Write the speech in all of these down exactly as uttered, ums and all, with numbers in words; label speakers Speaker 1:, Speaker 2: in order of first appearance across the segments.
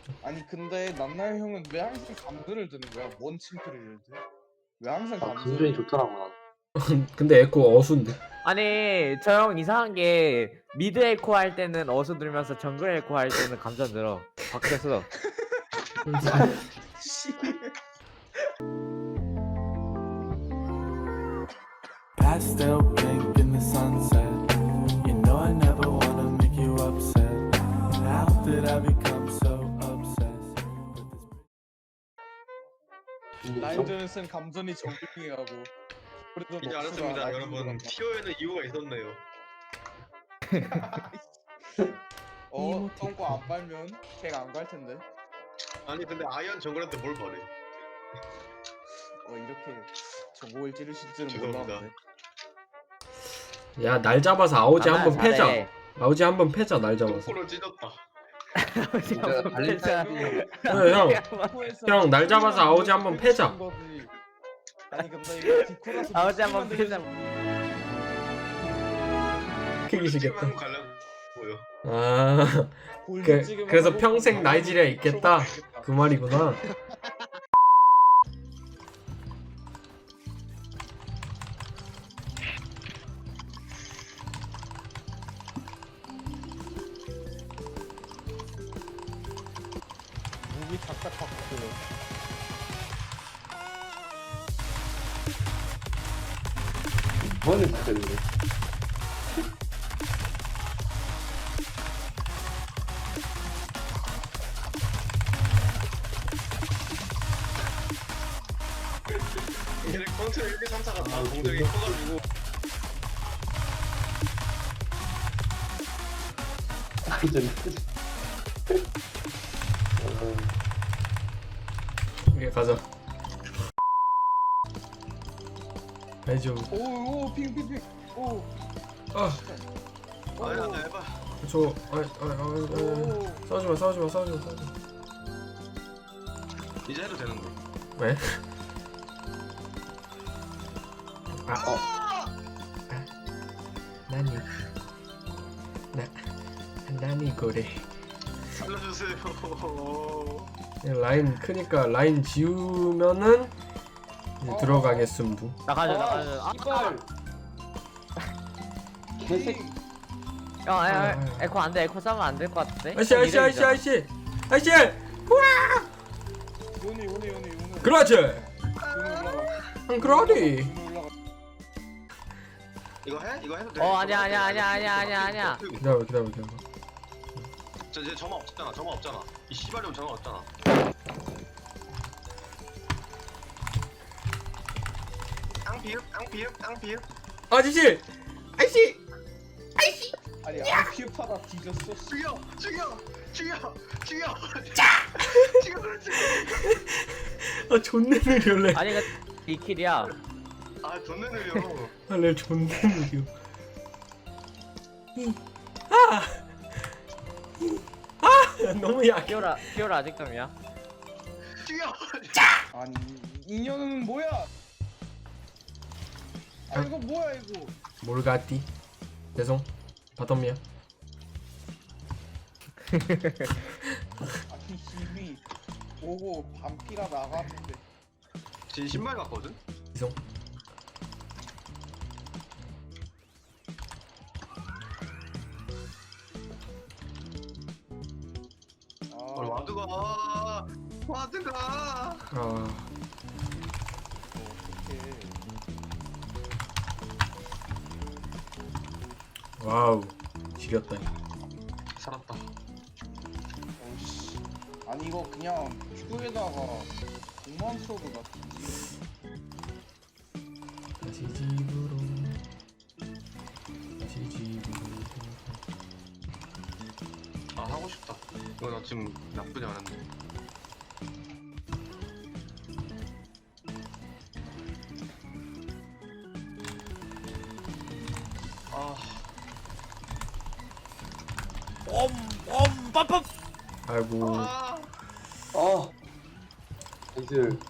Speaker 1: 아니 근데 남날 형은 왜 항상 감전을 드는 거야? 뭔 칭크를 드? 왜 항상
Speaker 2: 아,
Speaker 1: 감전을?
Speaker 2: 감전이 좋더라고 난.
Speaker 3: 근데 에코 어수인데.
Speaker 4: 아니 저 형 이상한 게 미드 에코 할 때는 어수 들면서 정글 에코 할 때는 감전 들어. 바뀌었어.
Speaker 1: 씨.
Speaker 5: Pastel pink in the sunset. You know I never wanna make you upset. How did I become so obsessed with this?
Speaker 2: 근데 정,
Speaker 1: 라인전을 쓴 감전이 정글링에 가고. 그래도
Speaker 6: 이제
Speaker 1: 럭스가
Speaker 6: 알았습니다
Speaker 1: 라인으로
Speaker 6: 여러분.
Speaker 1: 간다.
Speaker 6: 티오에는 이유가 있었네요.
Speaker 1: 어, 똥꼬 안 빨면 걔가 안 갈 텐데.
Speaker 6: 아니 근데 아이언 정글한테 뭘 바래?
Speaker 1: 어 이렇게 정보를 찌르실 줄은
Speaker 6: 죄송합니다.
Speaker 1: 몰랐는데.
Speaker 3: 야 날 잡아서 아오지 한번
Speaker 4: 잘해.
Speaker 3: 패자. 아오지 한번 패자 날 잡아서.
Speaker 6: 똥꼬를 찢었다.
Speaker 2: 내가 발렌타인이
Speaker 3: 그래 형.
Speaker 1: 디코에서
Speaker 3: 형, 날 잡아서 아오지 한번
Speaker 1: 빼주신
Speaker 3: 패자.
Speaker 1: 거지. 아니 근데 이거 디코라서
Speaker 4: 아버지 한번
Speaker 1: 목소리만
Speaker 4: 패자.
Speaker 3: 킥이시겠다.
Speaker 6: 한번 가려고요.
Speaker 3: 아
Speaker 1: 골드
Speaker 3: 그,
Speaker 1: 찍으면
Speaker 3: 그래서
Speaker 1: 하고
Speaker 3: 평생
Speaker 1: 나가면
Speaker 3: 나이지리아에 있겠다.
Speaker 1: 들어가겠다.
Speaker 3: 그 말이구나.
Speaker 1: 목이 딱딱하고.
Speaker 2: 뭐하는 짓들인데.
Speaker 6: 얘네 컨트롤 일, 이, 삼, 사가 다 공격이 커가지고
Speaker 2: 완전.
Speaker 3: 이게 가자. 아니 좀.
Speaker 1: 오오 핑핑핑. 오.
Speaker 3: 아,
Speaker 6: 아니야 나 해봐.
Speaker 3: 저, 아, 아, 아, 아,
Speaker 1: 오.
Speaker 3: 싸우지 마, 싸우지 마, 싸우지 마, 싸우지 마.
Speaker 6: 이제 해도 되는 거.
Speaker 3: 왜? 아, 어. 아, 나니, 나, 나니 그래.
Speaker 6: 살려주세요.
Speaker 3: 라인 크니까 라인 지우면은 이제
Speaker 1: 어.
Speaker 3: 들어가겠음부.
Speaker 4: 나가자
Speaker 1: 아,
Speaker 4: 나가자. 아,
Speaker 1: 씨발.
Speaker 2: 개새끼.
Speaker 4: 형
Speaker 3: 아,
Speaker 4: 아니,
Speaker 3: 아.
Speaker 4: 아니, 에코 안돼 에코 싸면 안 될 것 같은데.
Speaker 3: 아이씨, 아이씨, 아이씨, 아이씨, 아이씨.
Speaker 1: 요네 요네 요네 요네.
Speaker 3: 그렇지.
Speaker 1: 요네 올라가.
Speaker 3: 응, 그러지.
Speaker 1: 요네 올라가.
Speaker 6: 이거 해? 이거 해도 돼?
Speaker 4: 어 아니야 아니야 아니야 아니야 아니야 아니야.
Speaker 3: 기다려, 기다려, 기다려.
Speaker 6: 저 이제 점화 없잖아. 점화 없잖아. 이 씨발놈 점화 없잖아. 앙피읍 앙피읍 앙피읍.
Speaker 3: 아저씨, 아저씨.
Speaker 1: 아니 아피파다 뒤졌어.
Speaker 6: 죽여 죽여 죽여 죽여. 죽여 그렇지.
Speaker 3: 아 존내 느려래.
Speaker 4: 아니 그 이킬이야.
Speaker 6: 아 존나 느려.
Speaker 3: 아내 존내 느려. 아, 아, 너무 약해.
Speaker 4: 피오라 피오라 아직도이야.
Speaker 6: 죽여.
Speaker 1: 아니 인연은 뭐야? 아 이거 뭐야 이거?
Speaker 3: 몰가띠. 죄송. 바텀이야.
Speaker 1: 아니 힘이 오고 반피가 나갔는데.
Speaker 6: 진 신발 같거든.
Speaker 3: 죄송.
Speaker 6: 어,
Speaker 1: 아
Speaker 6: 와드가 와드가.
Speaker 3: 아,
Speaker 1: 어떡해.
Speaker 3: 와우. 지렸다.
Speaker 6: 살았다.
Speaker 1: 어이씨. 아니 이거 그냥 큐에다가 공만 써도 낫지.
Speaker 3: 다시 집으로. 다시 집으로.
Speaker 6: 아 하고 싶다. 이거 나 지금 나쁘지 않은데. 아
Speaker 3: 아이고.
Speaker 6: 아.
Speaker 2: 아. 이들.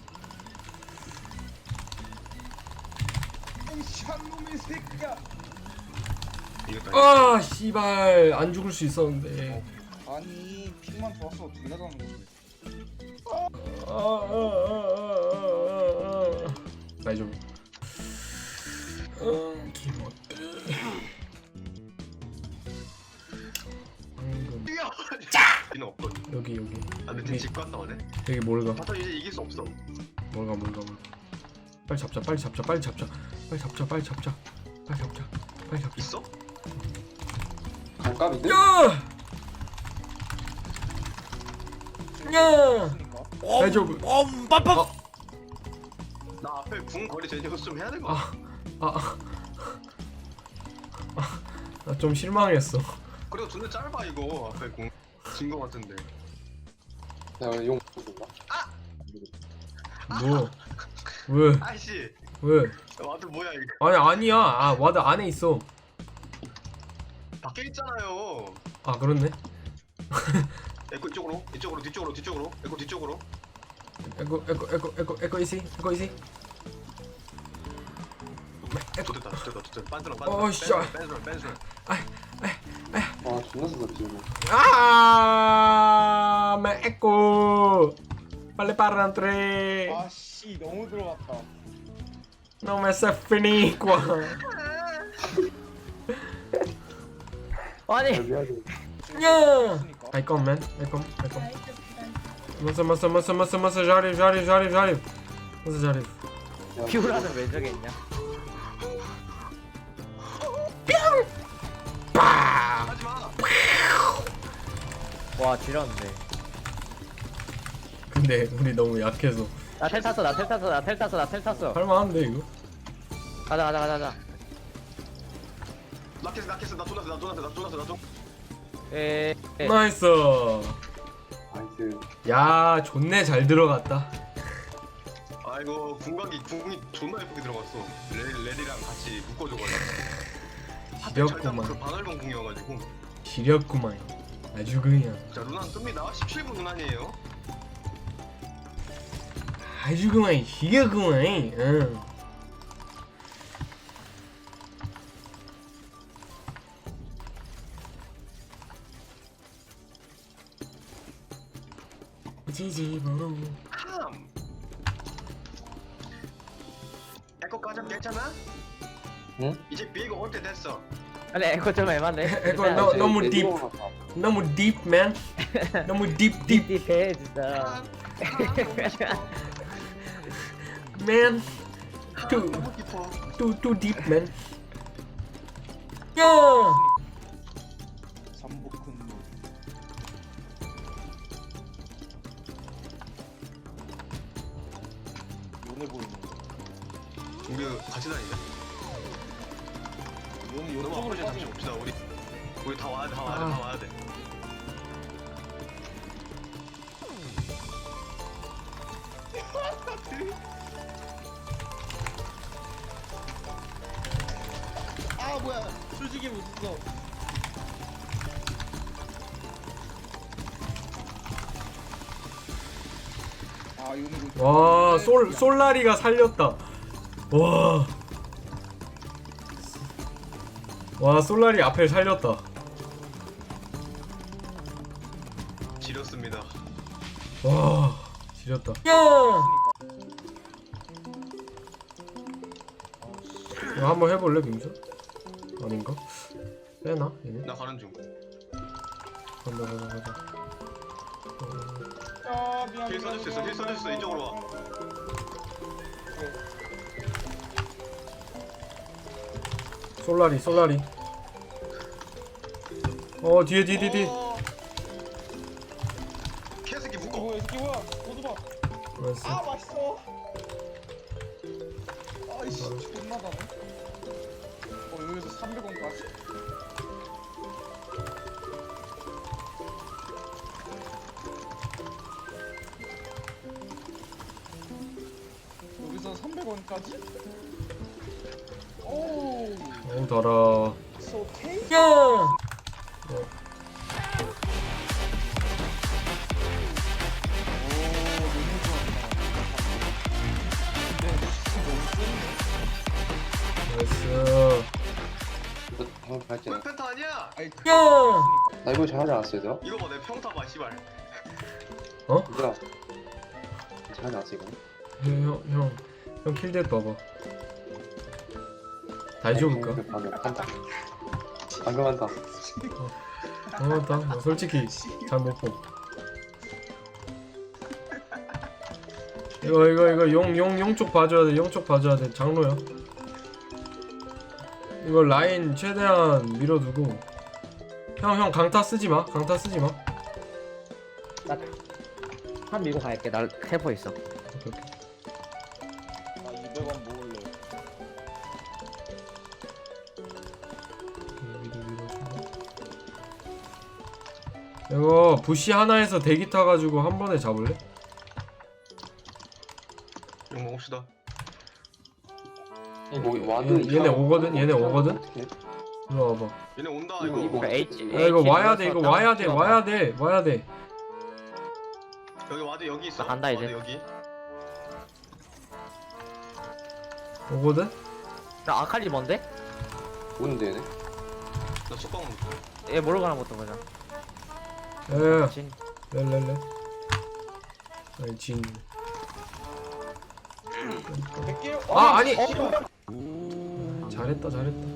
Speaker 1: 이 샷놈의 새끼야.
Speaker 6: 이겼다.
Speaker 3: 아, 씨발. 안 죽을 수 있었는데.
Speaker 1: 아니 픽만 좋았어 존나 잘하는 건데.
Speaker 3: 나 좀. 음, 기분. 방금
Speaker 6: 뛰어! 이는 없거든.
Speaker 3: 여기 여기
Speaker 6: 아 근데
Speaker 3: 여기
Speaker 6: 집 갔다 오네.
Speaker 3: 여기 뭘 가?
Speaker 6: 바텀 이제 이길 수 없어.
Speaker 3: 뭘 가? 뭘 가? 뭘 가? 빨리 잡자 빨리 잡자 빨리 잡자 빨리 잡자 빨리 잡자 빨리 잡자 빨리 잡자.
Speaker 6: 있어?
Speaker 2: 반값인데?
Speaker 3: 야! 야!
Speaker 1: 했으니까.
Speaker 3: 아니 저
Speaker 6: 나 앞에 궁 거리 제대로 좀 해야 될 거 같아.
Speaker 3: 아, 아, 나 좀 실망했어.
Speaker 6: 그래도 존나 짧아 이거 앞에 궁. 진 거 같은데.
Speaker 2: 내가 용 줬나?
Speaker 3: 뭐? 왜?
Speaker 6: 아이씨.
Speaker 3: 왜?
Speaker 6: 와드 뭐야 이거.
Speaker 3: 아니 아니야. 아 와드 안에 있어.
Speaker 6: 밖에 있잖아요.
Speaker 3: 아 그렇네.
Speaker 6: 에코 이쪽으로, 이쪽으로, 뒤쪽으로, 뒤쪽으로, 에코 뒤쪽으로.
Speaker 3: 에코 에코 에코 에코 에코 이시 에코 이시.
Speaker 6: 좋됐다, 좋됐다, 좋됐다. 빤스런,
Speaker 3: 어,
Speaker 6: 빤스런,
Speaker 3: 씨.
Speaker 6: 빤스런, 빤스런.
Speaker 2: 아 존나 쓰럽지 이거.
Speaker 3: 아, 매 에코. 빨리 빠른 트레.
Speaker 1: 아씨 너무 들어갔다.
Speaker 3: No me se finicua.
Speaker 4: 아니
Speaker 2: 미안해.
Speaker 3: 야.
Speaker 1: 했으니까.
Speaker 3: I come man. I come. I come. Massa massa massa massa massa jarif jarif jarif jarif. Massa jarif.
Speaker 4: 피오라는 왜 저기 있냐?
Speaker 3: 빠.
Speaker 6: 하지 마.
Speaker 4: 와 지렸네.
Speaker 3: 근데 우리 너무 약해서
Speaker 4: 나 텔 탔어 나 텔 탔어 나 텔 탔어 나 텔 탔어.
Speaker 3: 할만한데 이거?
Speaker 4: 가자 가자 가자 가자.
Speaker 6: 낙했어, 낙했어, 나 쫄았어, 나 쫄았어, 나 쫄았어, 나 쫄았어.
Speaker 4: 에. 에.
Speaker 3: 나이스.
Speaker 2: 나이스.
Speaker 3: 야 좋네 잘 들어갔다.
Speaker 6: 아이고 궁각이 궁이 존나 예쁘게 들어갔어. 레 레디랑 같이 묶어줘가지고.
Speaker 3: 지렸구만.
Speaker 6: 그 반월봉 궁이어가지고.
Speaker 3: 지렸구만. 아주 그냥
Speaker 6: 자 루난 뜹니다. 십칠 분 루난이에요.
Speaker 3: 아주 그만 지렸구만. 응. 지지부로.
Speaker 6: 함. 에코까지 괜찮아?
Speaker 2: 응?
Speaker 6: 이제 비가 올 때 됐어.
Speaker 4: 아니 에코 좀 애만데.
Speaker 3: 에코 너 너무
Speaker 2: 내
Speaker 3: 딥.
Speaker 2: 들어오나 봐.
Speaker 3: 너무 딥맨. 너무 딥 딥.
Speaker 4: 딥딥해 진짜.
Speaker 3: Man. Too
Speaker 6: 너무 깊어.
Speaker 3: too too deep man. 야.
Speaker 1: 잠복한 놈. 요네 보이네.
Speaker 6: 우리 같이 다니자.
Speaker 1: 요네
Speaker 6: 너무
Speaker 1: 요쪽으로
Speaker 6: 앞으로 잠시
Speaker 1: 빠져.
Speaker 6: 봅시다. 우리 우리 다 와야 돼, 다 와야 돼, 다 와야 돼.
Speaker 1: 아 뭐야 솔직히 못 써. 아 요네 보이.
Speaker 3: 와솔 솔라리가 살렸다. 와. 와 솔라리 앞을 살렸다.
Speaker 6: 지렸습니다.
Speaker 3: 와 지렸다. 야. 이거 한번 해볼래 빙수? 아닌가? 빼나 얘네?
Speaker 6: 나 가는 중.
Speaker 3: 간다 간다 간다.
Speaker 1: 아 미안.
Speaker 6: 힐 써줄 수 있어, 힐 써줄 수 있어. 이쪽으로 와.
Speaker 3: 솔라리 솔라리. 어 뒤에 뒤에 뒤에 뒤에.
Speaker 6: 어. 개새끼
Speaker 1: 이게
Speaker 6: 묶어.
Speaker 1: 뭐야 이게 뭐야 오도봐.
Speaker 3: 나이스.
Speaker 1: 아 맛있어. 아이씨 존나 다네. 어 여기서 삼백 원까지? 여기서 삼백 원까지? 오,
Speaker 3: 어우 달아.
Speaker 1: it's okay.
Speaker 3: 야. 어.
Speaker 1: 오, 너무 좋았다. 근데 너무 센데?
Speaker 3: 나이스.
Speaker 2: 이거 방금 발전.
Speaker 6: 왜 펜타 아니야?
Speaker 1: 아니
Speaker 3: 야.
Speaker 1: 그
Speaker 2: 나 이거 잘하지 않았어 얘들아?
Speaker 6: 이거 봐 내 평타 봐 씨발.
Speaker 2: 얘들아 잘하지 않았어 이거?
Speaker 3: 형형형 킬댓 봐봐. 다시 줘볼까?
Speaker 2: 방금 한다 방금 한다
Speaker 3: 어 맞다. 나 솔직히 잘 못 보. 이거 이거 이거 용 용 용 쪽 봐줘야 돼. 용 쪽 봐줘야 돼. 장로야. 이거 라인 최대한 밀어두고. 형 형 강타 쓰지 마. 강타 쓰지 마.
Speaker 4: 한 밀고 갈게. 나 캐퍼 있어.
Speaker 3: 오케이, 오케이.
Speaker 1: 나 이백 원 모을래.
Speaker 3: 미드 밀어주고. 이거 부시 하나에서 대기 타가지고 한 번에 잡을래?
Speaker 6: 이거 먹읍시다.
Speaker 2: 뭐 와드
Speaker 3: 얘네
Speaker 2: 이상-
Speaker 3: 오거든? 얘네 오거든?
Speaker 2: 어떡해?
Speaker 3: 일로 와봐.
Speaker 6: 얘네 온다
Speaker 2: 이거,
Speaker 6: 이거.
Speaker 2: 이거.
Speaker 4: H,
Speaker 3: 야 이거 와야 돼. 이거 와야 돼. 와야 돼. 와야 돼.
Speaker 6: 여기 와드 여기 있어.
Speaker 4: 나 간다, 이제.
Speaker 6: 와드 여기.
Speaker 3: 오거든?
Speaker 4: 나 아칼리 뭔데?
Speaker 2: 오는데 얘네?
Speaker 6: 나 속박 먹고.
Speaker 4: 얘 모르가나 못던 거잖아.
Speaker 3: 야야야.
Speaker 4: 진.
Speaker 3: 렐렐레. 아니 진.
Speaker 1: 백길.
Speaker 3: 아, 아니!
Speaker 1: 어,
Speaker 3: 잘했다 잘했다.